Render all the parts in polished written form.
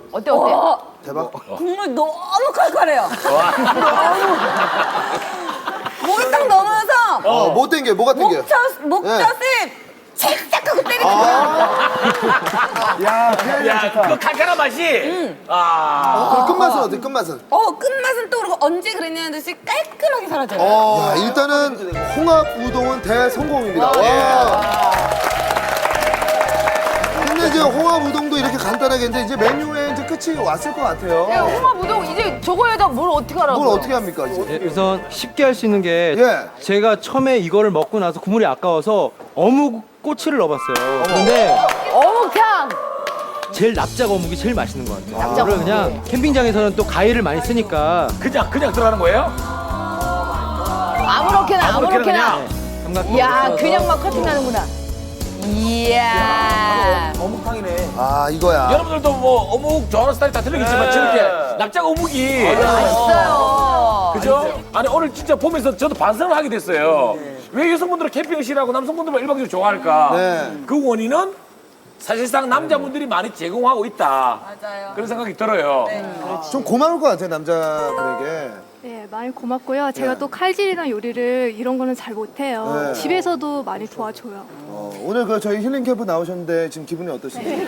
어때 어때? 대박. 국물 너무 칼칼해요. 너무. 목이 딱 넘어서 뭐 땡겨? 뭐가 땡겨? 목젖을 칙칙하고 때리는 거야. 야, 그 칼칼한 맛이. 그럼 끝맛은 어때? 끝맛은? 끝맛은 또 그러고 언제 그랬냐는 듯이 깔끔하게 사라져요. 야, 일단은 홍합 우동은 대성공입니다. 와. 근데 이제 홍합 우동도 이렇게 간단하게 했는데 이제 메뉴에 이제 끝이 왔을 것 같아요. 홍합 우동 이제 저거에다 뭘 어떻게 하라고? 뭘 어떻게 합니까 이제? 예, 우선 쉽게 할 수 있는 게 예. 제가 처음에 이거를 먹고 나서 국물이 아까워서 어묵 꼬치를 넣어봤어요. 근데 어묵탕. 제일 납작 어묵이 제일 맛있는 것 같아요. 그걸 그냥 캠핑장에서는 또 가위를 많이 쓰니까 그냥 들어가는 거예요? 아무렇게나. 그냥. 삼각형. 이야 그냥 막 커팅하는구나. 이야. 아 이거야. 여러분들도 뭐 어묵 좋아하는 스타일 다 틀리겠지만 저렇게 납작 어묵이 맛있어요. 그죠? 아니 오늘 진짜 보면서 저도 반성을 하게 됐어요. 왜 여성분들은 캠핑을 싫어하고 남성분들만 일방적으로 좋아할까? 네. 그 원인은 사실상 남자분들이 많이 제공하고 있다. 맞아요. 그런 생각이 들어요. 좀 고마울 것 같아요 남자분에게. 네, 많이 고맙고요. 제가 또 칼질이나 요리를 이런 거는 잘 못해요. 네. 집에서도 많이 도와줘요. 오늘 그 저희 힐링 캠프 나오셨는데 지금 기분이 어떠신지?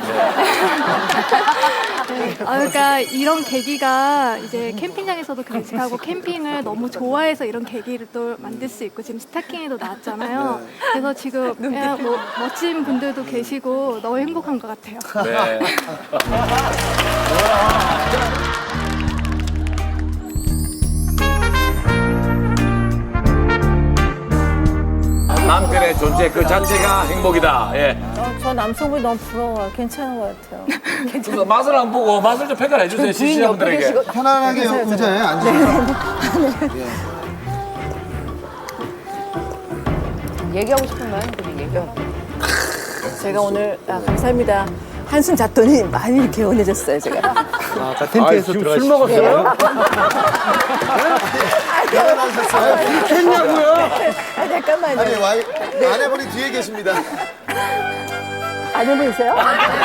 그러니까 이런 계기가 이제 캠핑장에서도 간직하고 캠핑을 너무 좋아해서 이런 계기를 또 만들 수 있고 지금 스타킹에도 나왔잖아요. 그래서 지금 그냥 뭐 멋진 분들도 계시고 너무 행복한 것 같아요. 네. 남편의 존재 그 자체가 행복이다. 예. 저 남성분이 너무 부러워요. 괜찮은 것 같아요. 그래서 맛을 안 보고 맛을 좀 평가를 해주세요 시청자분들에게. 편안하게 의자에 앉으세요. 얘기하고 싶은 말 얘기하고. 제가 오늘 감사합니다. 한숨 잤더니 많이 이렇게 개운해졌어요, 제가. 아까 텐트에서 들어가실 술 먹었어요? 내가 나오셨어요. 했냐고요? 잠깐만요. 아니 아내분이 뒤에 계십니다. 아내분이세요?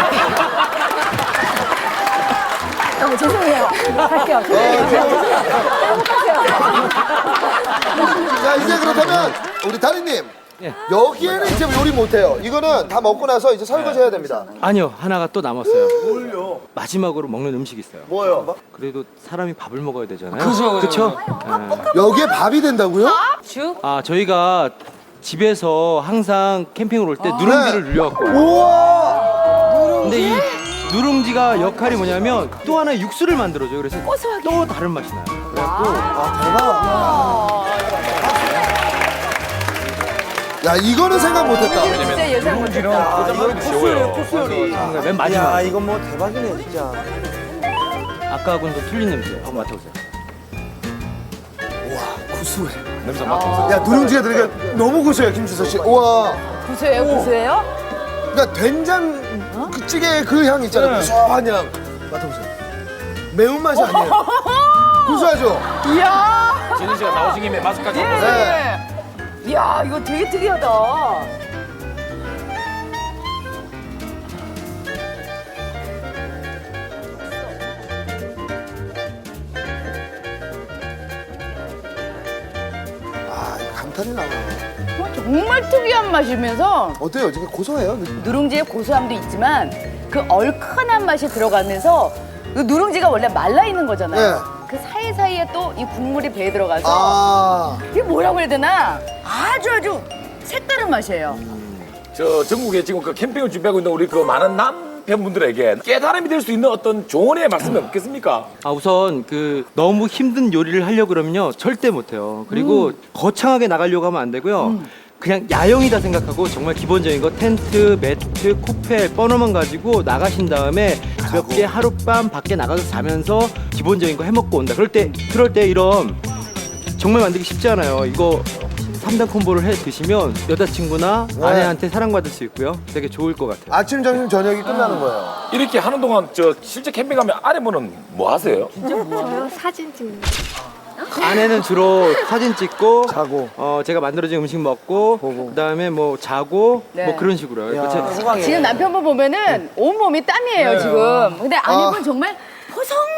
죄송해요. 갈게요. 자 이제 그렇다면 우리 다리님 여기에는 이제 요리 못해요. 이거는 다 먹고 나서 이제 설거지 해야 됩니다. 아니요, 하나가 또 남았어요. 뭘요? 마지막으로 먹는 음식이 있어요. 뭐요? 그래도 사람이 밥을 먹어야 되잖아요. 그죠. 그쵸? 여기에 밥이 된다고요? 저희가 집에서 항상 캠핑을 올 때 누룽지를 눌려갖고 와요. 우와. 근데 이 누룽지가 역할이 뭐냐면 또 하나의 육수를 만들어줘요. 그래서 또 다른 맛이 나요. 그래갖고 대박. 야 이거는 생각 못했다. 진짜 예상 못했다. 맨 마지막. 야, 이건 뭐 대박이네, 진짜. 아까하고는 또 틀린 냄새. 한번 맡아보세요. 구수해. 냄새 맡아보세요. 야 누룽지가 들어가 너무 구수해요 김주서 씨. 우와. 구수해요? 그러니까 된장 그 찌개 그 향 있잖아요. 구수한 향. 맡아보세요. 매운맛이 아니에요. 구수하죠? 이야. 진희 씨가 나오신 김에 맛까지 한번 보세요. 네. 이야 이거 되게 특이하다. 아 이거 감탄이 나와요. 정말 특이한 맛이면서 어때요? 되게 고소해요? 누룽지의 고소함도 있지만 그 얼큰한 맛이 들어가면서 그 누룽지가 원래 말라 있는 거잖아요. 네. 그 사이사이에 또 이 국물이 배에 들어가서 아. 이게 뭐라고 해야 되나 아주 색다른 맛이에요. 저 전국에 지금 그 캠핑을 준비하고 있는 우리 그 많은 남편분들에게 깨달음이 될 수 있는 어떤 조언의 말씀이 없겠습니까? 우선 너무 힘든 요리를 하려고 그러면요 절대 못해요. 그리고 거창하게 나가려고 하면 안 되고요. 그냥 야영이다 생각하고 정말 기본적인 거 텐트, 매트, 코펠, 버너만 가지고 나가신 다음에 가볍게 하룻밤 밖에 나가서 자면서 기본적인 거 해먹고 온다. 그럴 때 이런 정말 만들기 쉽지 않아요. 이거 3단 콤보를 해 드시면 여자친구나 아내한테 사랑받을 수 있고요. 되게 좋을 것 같아요. 아침, 점심, 저녁이 끝나는 거예요. 이렇게 하는 동안 저 실제 캠핑 가면 아내분은 뭐 하세요? 저요 사진 찍는 거. 아내는 주로 사진 찍고 자고. 제가 만들어진 음식 먹고 그다음에 뭐 자고 네. 뭐 그런 식으로요. 야, 제- 호강이네. 지금 남편분 보면은 온몸이 땀이에요, 지금. 근데 아내분 정말 포성만